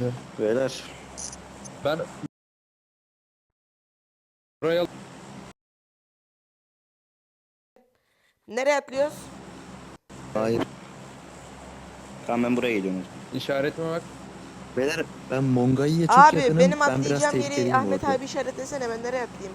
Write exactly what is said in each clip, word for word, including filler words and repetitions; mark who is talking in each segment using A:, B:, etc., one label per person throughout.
A: Beyler.
B: Ben buraya
C: Nereye atlıyoruz?
D: Hayır.
A: Tamam ben buraya geliyorum.
B: işaretime bak.
D: Beyler ben Mongai'ye çok
C: Abi
D: yakınım.
C: benim
D: Ben biraz
C: atlayacağım yeri
D: tehlikeliyim
C: Ahmet
D: orada.
C: abi işaretlesene, ben nereye atlayayım?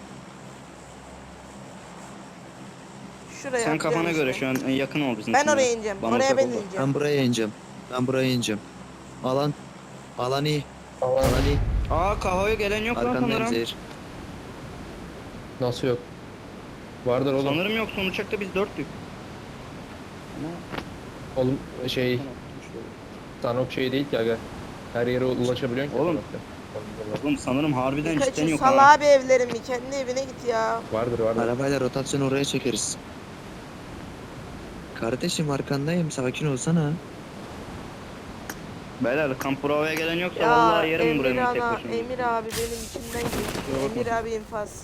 C: Şuraya
A: Sen
C: atlıyorum
A: kafana göre
C: işte.
A: şu an yakın ol bizim
C: Ben
A: için
C: oraya
A: ya.
C: ineceğim.
A: Bana
C: Oraya
A: uzak
C: ben
A: ol da.
C: ineceğim.
D: Ben buraya ineceğim. Ben buraya ineceğim. Alan. Alan iyi.
B: Alan
D: Alan iyi.
A: Aa kahvaya gelen yok lan
D: Arkandayım
A: sanırım.
D: Zehir.
B: nasıl yok? Vardır oğlum.
A: Sanırım yok, son uçakta biz dörttük.
B: Oğlum şey Sanok şey değil ki aga. Her yere ulaşabiliyorsun ki.
A: Oğlum.
B: Sanok'ta.
A: Oğlum sanırım harbiden cidden
C: Birkaçı
A: yok
C: sal
A: ha.
C: abi evlerimi. Kendi evine git ya.
B: Vardır vardır.
D: Arabayla rotasyon oraya çekeriz. Kardeşim arkandayım. Sakin olsana.
A: Beyler kamp provaya gelen yoksa
C: Ya
A: vallahi yerim
C: Emir
A: buranın tek
C: ana,
A: başına.
C: Emir abi benim içimden geçti. Emir abi infaz.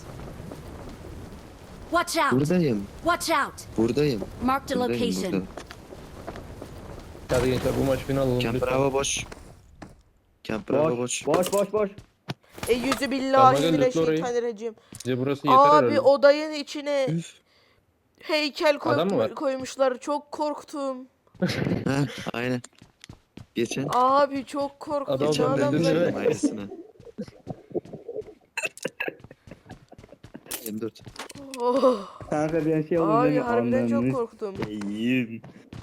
E: Watch out!
D: Buradayım.
E: Watch out!
D: Buradayım.
E: Marked a
D: Buradayım
E: location.
D: burada.
B: Hadi gençler bu maç final alalım.
D: Camp
B: lütfen.
D: Bravo boş. Camp Bravo boş.
A: Boş boş boş.
C: E yüzü
B: Tamam,
C: billahi
B: gel, lütfen orayı.
C: mineşşeytanirracim.
B: Bize burası yeter
C: Abi
B: herhalde.
C: odanın içine
D: Üf.
C: heykel
B: Adam mı
C: koymuş-
B: var?
C: koymuşlar. Çok korktum.
D: Heh, aynen. Geçen.
C: Abi çok korktum.
B: Adam
D: Geçen ben
B: öldürdün
D: de
B: değil mi?
D: söyledim aynısını. yirmi dört.
C: Oh.
A: Kanka bir şey
C: Abi harbiden çok korktum.
A: İyiyim.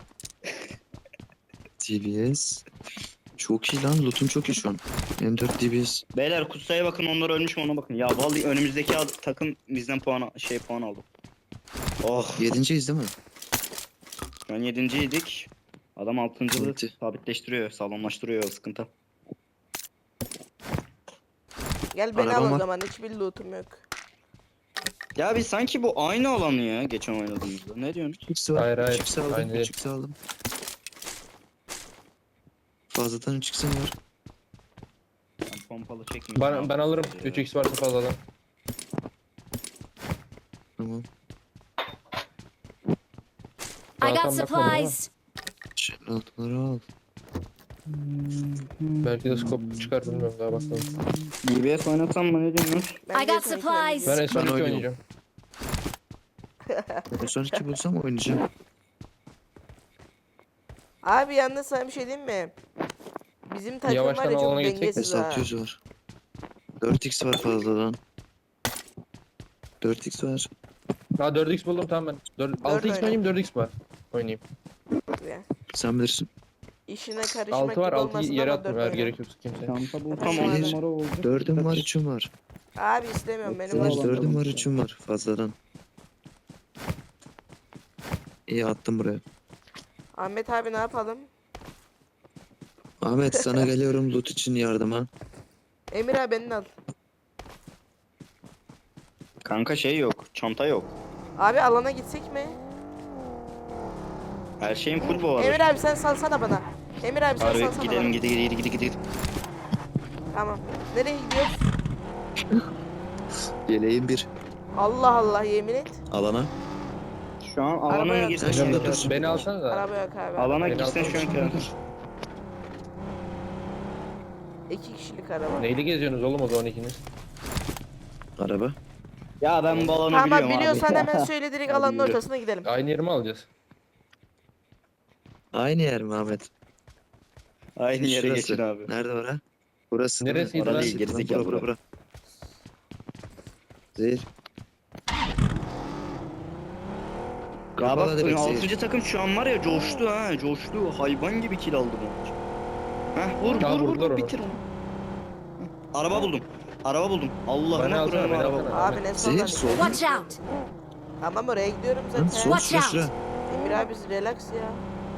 D: D B S. Çok iyi lan. Loot'um çok iyi şu an. M dört D B S.
A: Beyler kutsaya bakın, onlar ölmüş mü ona bakın. Ya vallahi önümüzdeki ad- takım bizden puan al- şey puan aldı. Oh.
D: Yedinciyiz değil mi?
A: Şu an yedinciydik. Adam altıncılığı
D: Bitti.
A: sabitleştiriyor, sağlamlaştırıyor, sıkıntı.
C: Gel beni
D: Arabam
C: al o
D: var.
C: zaman. Hiçbir lootum yok.
A: Ya biz sanki bu aynı alanı ya geçen oynadığımızda. Ne diyorsun?
D: üç x var.
B: Hayır, hayır.
D: üç x aldım.
B: Aynı değil.
D: üç x aldım. Fazladan üç x'im var.
A: Ben pompalı çekmeyeyim.
B: Ben, ben alırım. üç x varsa fazladan.
D: Tamam.
E: I
B: Daha
E: got
B: tam bakmadım ama
E: supplies.
D: Şimdi altları al.
B: belki de scope çıkar bilmiyorum daha bakmadım.
A: D B S oynasam mı, ne diyorsun?
C: Ben
E: I
C: de
E: got
C: sana
E: supplies.
B: Ben
C: söyleyeceğim.
B: en son
D: Ben
B: iki
D: oynuyorum.
B: oynayacağım.
D: En son iki bulsam oynayacağım.
C: Abi yalnız sana bir şey diyeyim mi? Bizim takım var
B: Yavaştan
C: ya çok
B: alana geçecek
C: dengesiz
D: S
C: ha.
D: altı yüz var. dört x var fazladan. dört x var.
B: Ha dört x buldum tamam ben. dört, altı x mi oynayayım dört x var. Oynayayım.
C: Ya.
D: Sen bilirsin.
C: İşine karışmak
B: altı var
C: gibi
B: altıyı
C: olmasın
B: yere
C: ama
B: attım
C: dört
B: eğer
C: oyna.
B: gerek yoksa kimse.
A: Çanta bu
C: Tamam,
A: tam on
C: hadi.
A: numara oldu.
D: Dördüm var, üçüm var.
C: Abi istemiyorum benim
A: Tamam.
D: Zehir
C: var.
D: dördüm var, üçüm var fazladan. İyi attım buraya.
C: Ahmet abi ne yapalım?
D: Ahmet sana geliyorum loot için yardıma.
C: Emir abi beni al.
A: Kanka şey yok, çanta yok.
C: Abi alana gitsek mi?
A: Her şeyin full bu arada.
C: Emir abi sen salsana bana. Emir abi sen
A: Harbi
C: salsana
A: gidelim,
C: bana.
A: gidelim, gidelim, gidelim, gidelim.
C: Tamam. Nereye gidiyoruz?
D: Yeleğim bir.
C: Allah Allah yemin et.
D: Alana.
A: Şu an alana
C: Arabaya
A: mı girsen
D: at.
A: şu an
D: Hocam da
A: kâr.
D: dursun.
B: Beni alsana da.
C: Araba yok abi.
A: Alana
B: Beni
A: girsen
B: alsana.
A: şu an kâr.
C: İki kişilik araba.
B: Neyle geziyorsunuz oğlum o zaman ikiniz?
D: Araba.
A: Ya ben bu alanı
C: Tamam
A: biliyorum
C: biliyorsan
A: abi.
C: hemen söyle, direkt
A: Hadi
C: alanın
A: yürü.
C: ortasına gidelim.
B: Aynı yeri mi alacağız?
D: Aynı yer mi Ahmet?
A: Aynı yere
D: Şurası.
A: geçin abi.
D: Nerede var ha? Burası değil mi?
B: Neresiydi
D: Orası
B: lan?
D: değil,
A: Gerizekalı
D: bura, bura, bura. Zehir.
A: Ya
D: Kapalı
A: bak
D: direkt Zehir.
A: altıncı takım şu an var ya, coştu ha, coştu. Hayvan gibi kill aldı bu maç. Heh vur
B: Ya
A: vur vur,
B: vurdular
A: vur
B: onu.
A: bitir onu. Heh, Araba buldum. Araba buldum.
B: Beni
A: Allah'ıma
B: alsana,
A: Kur'an'ım
B: beni
A: araba
B: alsana.
A: buldum.
C: Abi ne
D: Zehir,
C: sonra?
D: sol.
E: Watch out!
C: Tamam oraya gidiyorum
D: Lan
C: zaten.
D: sol
E: Watch
D: şura
E: out.
D: şura.
C: Emir abi relax ya.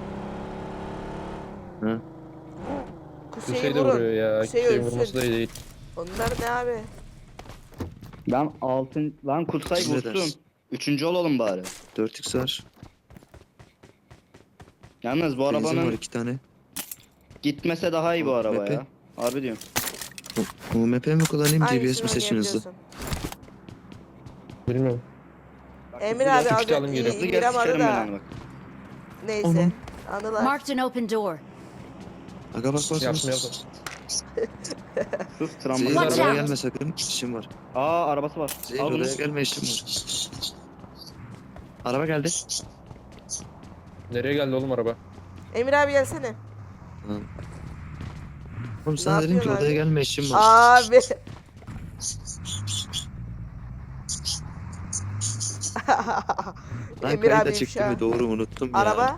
D: Ha.
C: Kuseyi
B: Hüseyin de
C: vurun.
B: vuruyor ya.
C: Hüseyin
B: Hüseyin
C: ölsün.
B: vurması da iyi değil.
C: Onlar ne abi?
A: Ben altın lan kutsay
D: Siz ne
A: vursun.
D: dersin?
A: Üçüncü olalım bari.
D: dört x var.
A: Yalnız bu
D: Benzin var
A: arabanın
D: iki tane.
A: gitmese daha iyi bu
D: O,
A: araba
D: Mepe.
A: ya. Harbi diyorum.
D: U M P mi kullanayım, D B S
C: Hangisini
D: mi seçin hızlı?
C: oynayabiliyorsun?
B: Bilmiyorum.
C: Emir abi
B: Küçük
C: az
B: çalım
C: önce
B: geliyor.
A: Hızlı gel
C: İrem aradı
A: sikerim ben
C: da.
A: onu bak.
C: Neyse.
D: Onun-
C: Anılar.
E: Marked an open door.
D: Aga bak bak.
B: Yaptım yaptım.
A: Sus
D: Zehir
A: travma.
B: Watch
D: oraya
B: out.
D: gelme sakın. İşim var.
A: Aa arabası var.
D: Zehir
A: Al bunu.
D: oraya gelme işim var. Araba geldi.
B: Nereye geldi oğlum araba?
C: Emir abi gelsene.
D: Ha. Oğlum sana dedim ki
C: yapıyorsun
D: odaya
C: abi?
D: gelme işim var.
C: Abi.
D: Lan
C: Emir
D: kayıt
C: abi
D: açık değil
C: ifşa.
D: mi? Doğru unuttum ya.
C: Araba.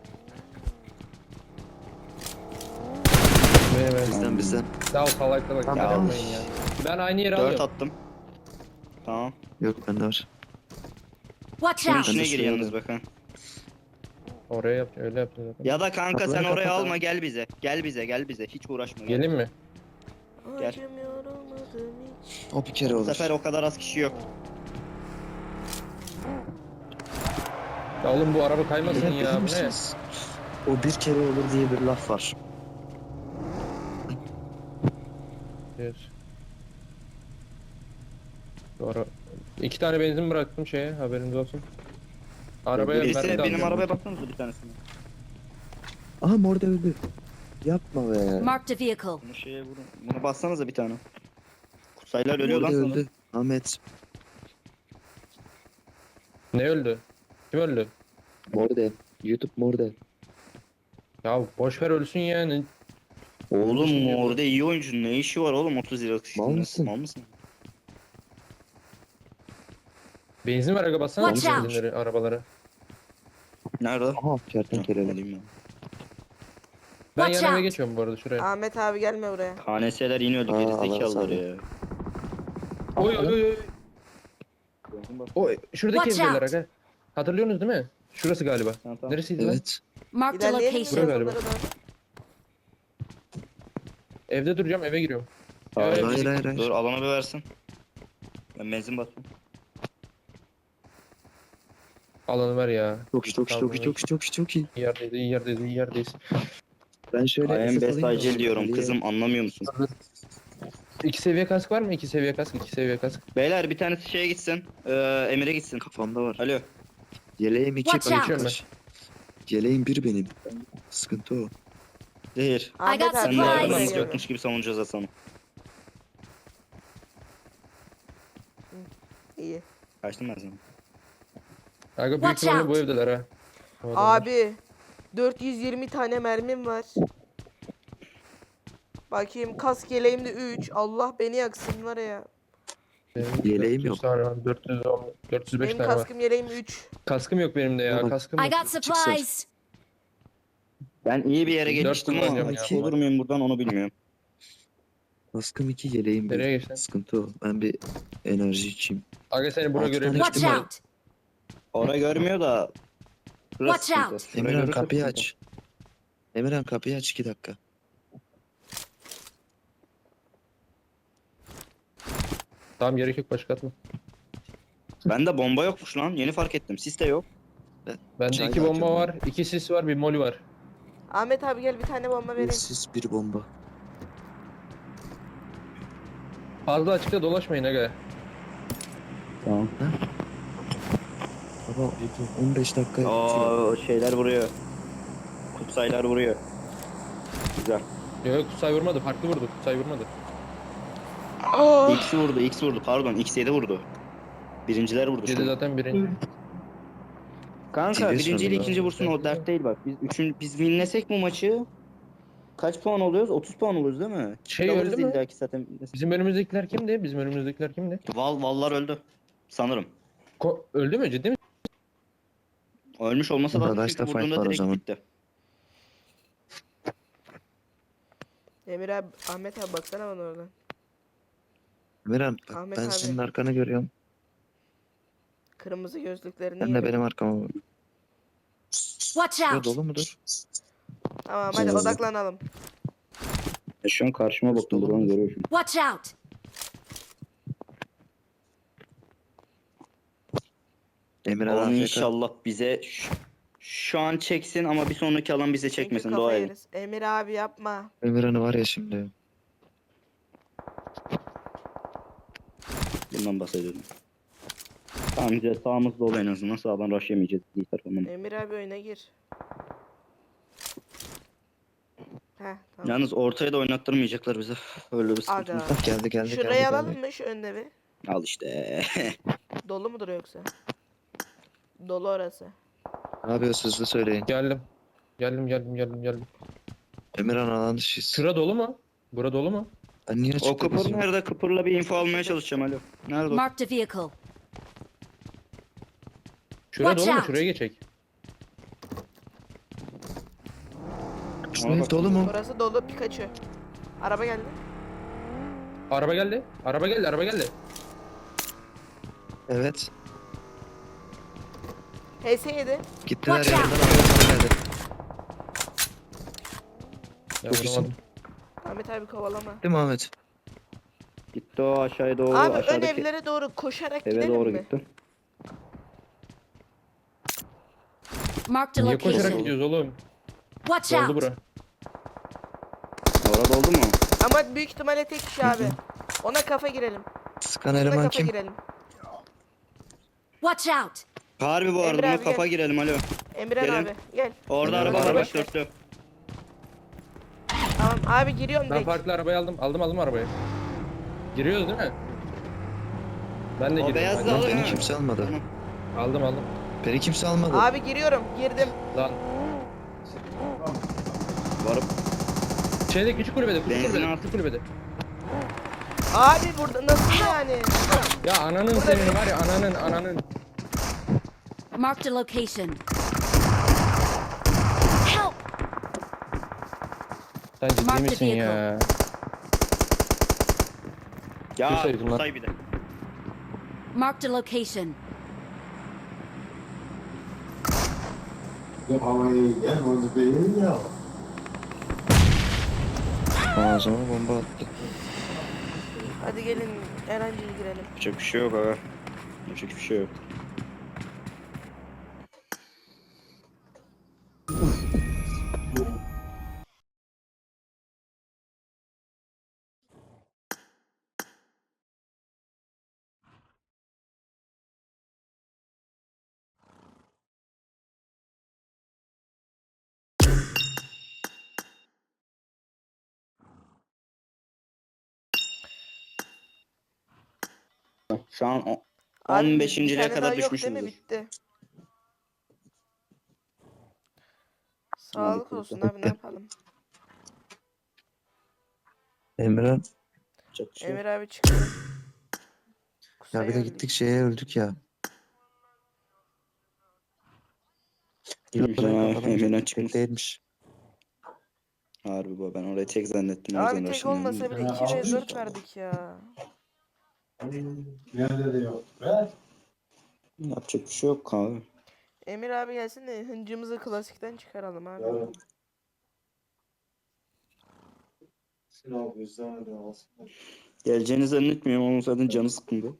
B: Benim benim.
D: Bizden bizden.
B: Sağ ol salakta bak.
D: Tamam.
B: Ya. Yapmayın ya. Ben aynı yere
A: Dört
B: alıyorum.
A: attım. Tamam.
D: Yok bende var.
E: Watch
A: Şunun
E: out!
A: içine
D: de
A: gir
D: şuraya
A: yalnız
D: da-
A: bakın.
B: Oraya yap. Öyle yapacağız zaten.
A: Ya da kanka
D: Kapıları
A: sen oraya
D: kapat
A: alma
D: abi.
A: gel bize. Gel bize gel bize. Hiç uğraşma. Gel.
B: Gelin mi?
A: Gel.
C: Acımıyor olmadım hiç.
D: O bir kere
A: Bu
D: olur.
A: sefer o kadar az kişi yok.
B: Ya oğlum bu araba kaymasın
D: Neden
B: ya.
D: biliyor
B: Bu ne?
D: musunuz? O bir kere olur diye bir laf var.
B: Evet. Doğru. İki tane benzin bıraktım şeye, haberiniz olsun. Arabaya
A: Birisi
B: mermi de
A: benim
B: alacağım.
A: arabaya baksanıza bir tanesine.
D: Aha mor da öldü. Yapma be.
E: Marked a vehicle.
A: Bunu şeye vurun. Bunu bassanıza bir tane. Kutsaylar ölüyor
D: Mor
A: lan
D: da
A: sana.
D: öldü. Ahmet.
B: Ne öldü? Kim öldü?
D: Mor da. YouTube mor da.
B: Ya boş ver ölsün yani.
A: Oğlum orada iyi oyuncu ne işi var oğlum otuz liralık
D: Mal
A: işinde?
D: mısın?
A: Mal mısın?
B: Benzin ver aga bassana
E: Watch out.
B: benzinleri arabalara.
A: Nerede?
D: Aha kertenkeleler.
A: Alayım ben.
B: Ben
E: Watch
B: yan eve
E: out.
B: geçiyorum bu arada şuraya.
C: Ahmet abi gelme buraya.
A: K N S'ler yine öldü
D: Aa,
A: gerizekalılar
D: Allah
A: ya.
B: Oy oy oy. oy. Oy şuradaki
E: Watch
B: evdeler
E: out.
B: aga. Hatırlıyorsunuz değil mi? Şurası galiba.
A: Tamam, tamam.
B: Neresiydi lan?
D: Evet.
E: Marked a
C: İlerleyelim mi
B: Buraya
E: location.
B: galiba.
C: yazılara doğru?
B: Evde duracağım eve giriyorum.
A: Hayır,
B: Ya,
D: Hayır hayır hayır.
A: Dur alana bir versin. Ben benzin basıyorum.
B: Alanı ver ya.
D: Çok iyi çok iyi çok iyi çok iyi çok iyi çok iyi.
B: İyi yerdeyiz, iyi yerdeyiz, iyi yerdeyiz.
D: Ben şöyle
A: I am
D: esas
A: best
D: alayım da
A: acil diyorum
D: Ali'ye-
A: kızım anlamıyor musun?
B: İki seviye kask var mı? İki seviye kask, iki seviye kask.
A: Beyler bir tanesi şeye gitsin. Ee, Emir'e gitsin.
D: Kafamda var.
A: Alo.
D: Yeleğim iki
E: Watch out.
D: arkadaş. Yeleğim bir benim. Sıkıntı o.
A: Zehir.
C: Ahmet
E: got
C: abi
A: Sen de
E: supplies.
C: buraya
A: arabanız
E: Supplies.
C: geliyor.
A: yokmuş gibi savunacağız Hasan'ı.
C: İyi.
A: Kaçtım ben sana.
B: Aga büyük
E: Watch
B: ihtimalle
E: out.
B: bu evdeler ha. Bu adamlar.
C: Abi dört yüz yirmi tane mermim var. Bakayım kask yeleğimde üç. Allah beni yaksın var ya.
B: Benim
D: Yeleğim
B: dört yüz
D: yok.
B: tane var, dört yüz on, dört yüz beş
C: Benim
B: tane var.
C: kaskım yeleğim üç.
B: Kaskım yok benim de ya.
D: Bak.
B: Kaskım
E: I
B: yok.
E: got supplies.
A: Ben iyi bir yere
B: Dört
A: geçtim
B: kullanacağım
A: ama
B: ya.
A: olur muyum buradan onu bilmiyorum.
D: Kaskım iki yeleğim bir.
B: Nereye geçtin?
D: Sıkıntı o. Ben bir enerji içeyim.
B: Aga seni buna
D: Altı
B: göre
D: tane
E: Watch
D: Gittim ben.
E: out!
A: Orayı görmüyor da. Burası
E: Watch
A: sıkıntı.
E: out.
A: Şurayı
D: Emirhan
A: görürse
D: kapıyı
A: sıkıntı.
D: aç. Emirhan kapıyı aç iki dakika.
B: Tamam gerek yok başka atma.
A: Bende bomba yokmuş lan. Yeni fark ettim. Sis de yok.
B: Bende
D: Çay
B: iki bomba
D: dağıtıyorum
B: var, iki sis var, bir moli var.
C: Ahmet abi gel bir tane bomba
D: Bir
C: vereyim.
D: sis bir bomba.
B: Fazla açıkta dolaşmayın aga.
A: Tamam.
D: Baba on beş dakika bitiyor.
A: Aa şeyler vuruyor. Kutsaylar vuruyor. Güzel.
B: Yok yok Kutsay vurmadı, farklı vurdu. Kutsay vurmadı.
C: Aa,
A: X vurdu, X vurdu. Pardon, X yedi vurdu. Birinciler vurdu. şu
B: Yedi
A: an.
B: zaten birinci.
A: Kanka
D: T V
A: birinci ile
D: sanırım.
A: ikinci vursun o dert değil bak. Biz üçün biz winlesek bu maçı kaç puan oluyoruz? otuz puan oluyoruz değil mi?
B: Şey
A: Alırız
B: öldü mü?
A: illaki zaten.
B: Bizim önümüzdekiler kimdi? Bizim önümüzdekiler kimdi?
A: Val vallar öldü. Sanırım.
B: Ko öldü mü ciddi mi?
A: Ölmüş olmasa da
D: Arkadaşta
A: çünkü
D: fight
A: vurduğunda
D: var o
A: direkt
D: zaman.
A: gitti.
C: Emir abi, Ahmet abi baksana bana oradan.
D: Emirhan bak
C: Ahmet
D: ben
C: abi.
D: senin arkanı görüyorum.
C: Kırmızı gözlüklerini
D: Sen de
C: yedim.
D: benim arkama bak.
E: Watch
D: Şurada
E: out!
D: dolu mudur?
C: Tamam hadi
D: Oo.
C: odaklanalım.
A: Ya şu an karşıma baktım
D: Dolu
A: buradan
D: mu?
A: görüyorum.
E: Watch out!
D: Emirhan
A: Alan
D: A F K.
A: inşallah bize şu, şu an çeksin ama bir sonraki alan bize çekmesin.
C: Çünkü
A: Dua
C: kafa
A: edin.
C: yeriz. Emir abi yapma.
D: Emirhan'ı var ya şimdi.
A: Bundan bahsediyorum. Tamam güzel sağımız dolu en azından. Sağdan rush yemeyeceğiz. İyi tarafından.
C: Emir abi oyuna gir. Heh tamam.
A: Yalnız ortaya da oynattırmayacaklar bize. Öyle bir sıkıntı.
C: Aga.
D: Bak geldi geldi geldi.
C: Şurayı
D: geldi.
C: alalım mı şu önde bir?
A: Al işte.
C: Dolu mudur yoksa? Dolu orası.
D: Ne yapıyorsunuz hızlı söyleyin.
B: Geldim. Geldim geldim geldim geldim.
D: Emirhan alan dışıyız.
B: Şura dolu mu? Bura dolu mu?
D: Ben niye
A: O
D: açıkta
A: kıpır
D: gezeyim?
A: nerede? Kıpırla bir info almaya çalışacağım alo. Nerede o?
E: Marked a vehicle.
B: Şura
E: Watch
B: dolu mu?
E: out.
B: Şuraya geçek.
D: Sizin ev dolu mu?
C: Orası dolu Pikachu. Araba geldi.
B: Araba geldi. Araba geldi. Araba geldi.
D: Evet.
C: H S yedi.
D: Gittiler
E: Watch
D: yanından araba geldi.
B: Ya,
D: Çok iyisin.
B: vuramadım.
C: Ahmet abi kovalama.
D: Değil mi Ahmet?
A: Gitti o aşağıya doğru.
C: Abi ön
A: aşağıdaki
C: evlere doğru koşarak
A: eve
C: gidelim
A: doğru
C: mi?
A: gitti.
E: Marked a
B: Niye koşarak
E: location.
B: gidiyoruz oğlum?
E: Watch
B: Doldu
E: out.
B: bura.
A: Orada oldu mu?
C: Ama büyük ihtimalle tek kişi abi. Ona kafa girelim.
D: Sıkan
C: Ona
D: eleman
C: kafa
D: kim?
C: girelim.
E: Watch out.
A: Harbi bu arada
C: Emre
A: buna
C: abi
A: kafa
C: gel.
A: girelim alo.
C: Emirhan
A: Gelin.
C: abi gel.
A: Orada
D: Emre
A: araba
D: abi,
A: var
B: araba.
A: baş dörtlü.
C: Tamam abi giriyorum
B: Ben
C: direkt.
B: farklı arabayı aldım. Aldım aldım arabayı. Giriyoruz değil mi? Ben de
A: O
B: giriyorum.
A: beyazlı
B: hadi.
A: alın.
D: Beni
A: ha.
D: kimse almadı.
A: Tamam.
B: Aldım aldım.
D: Beni kimse almadı.
C: Abi giriyorum girdim.
B: Lan.
A: Varıp
B: Şeyde küçük kulübede. Küçük
A: Benzin
B: kulübede.
A: at.
B: Küçük kulübede.
C: Abi burada nasıl yani?
B: Ya ananın senin var ya ananın ananın.
E: Marked a location. Help.
B: Sen ciddi
E: Mark the
B: misin
E: vehicle.
B: ya?
A: ya
B: Kursaydım lan.
A: say bir de.
E: Marked a location.
D: Ağzıma bomba attı.
C: Hadi gelin Erenci'ye girelim.
A: Yapacak bir şey yok aga. Yapacak bir şey yok. Şu an o-
C: Abi
A: on
C: bir
A: beşinci lere
C: tane daha
A: kadar
C: yok değil mi?
A: düşmüşüzdür.
C: Bitti. Sağlık olsun abi ne yapalım.
D: Emirhan.
A: Yapacak bir şey yok.
C: Emir abi çıktı.
D: Ya bir de
C: Kusaya
D: gittik şeye öldük ya.
A: Kimse
D: Oraya
A: ha,
D: kafadan
A: Emirhan
D: çok
A: çıkmış.
D: değilmiş.
A: Harbi bu ben orayı tek zannettim. o
C: öldü.
A: yüzden
C: Abi tek
A: uğraşamıyorum
C: olmasa
A: da.
C: bile iki ve dört verdik ya.
F: Nerede de yok. Ver.
A: Yapacak bir şey yok abi.
C: Emir abi gelsin de hıncımızı klasikten çıkaralım abi.
F: Yarın. Sınav bizden de alsın.
A: Geleceğini zannetmiyorum ama zaten canı sıkkındı.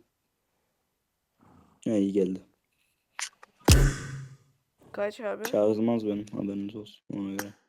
A: Ha iyi geldi.
C: Kaç abi?
A: Çağrılmaz benim haberiniz olsun ona göre.